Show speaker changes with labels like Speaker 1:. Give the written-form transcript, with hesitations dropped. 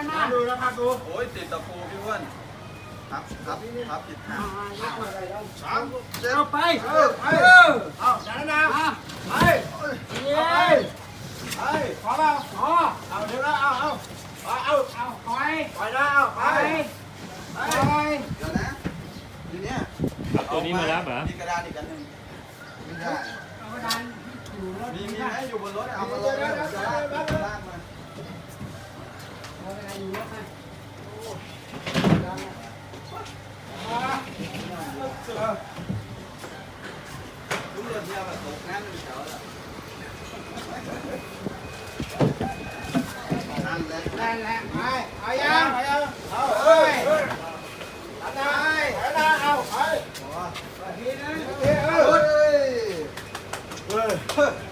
Speaker 1: มาดูนะครับดู
Speaker 2: โอ้ยติดตะปูพี่อ้วนครับผิดทาง
Speaker 1: สามเจ็ดไปเอาจัดนะไปไปขอเปล่าขอเอาเดี๋ยวนะเอาคอยนะเอาไป
Speaker 2: เดี๋ยวนะทีเนี้ย
Speaker 3: เอาตัวนี้มารับเหรอ
Speaker 2: มีกระดานอีกอันหนึ่งไม่ได้
Speaker 1: เอาดันอยู่รถ
Speaker 2: มีไหมอยู่บนรถเอามาลงเลยจะลากมา
Speaker 1: เอาอะไรอยู่รถไหม
Speaker 2: ทุกเรื่องเดียวแบบตกน้ำมันเฉาแล้วนั่นแหละ
Speaker 1: นั่นแหละไปเอายังเอาเอ้ยเอาได้เอาไปทีนึง
Speaker 2: เฮ้ย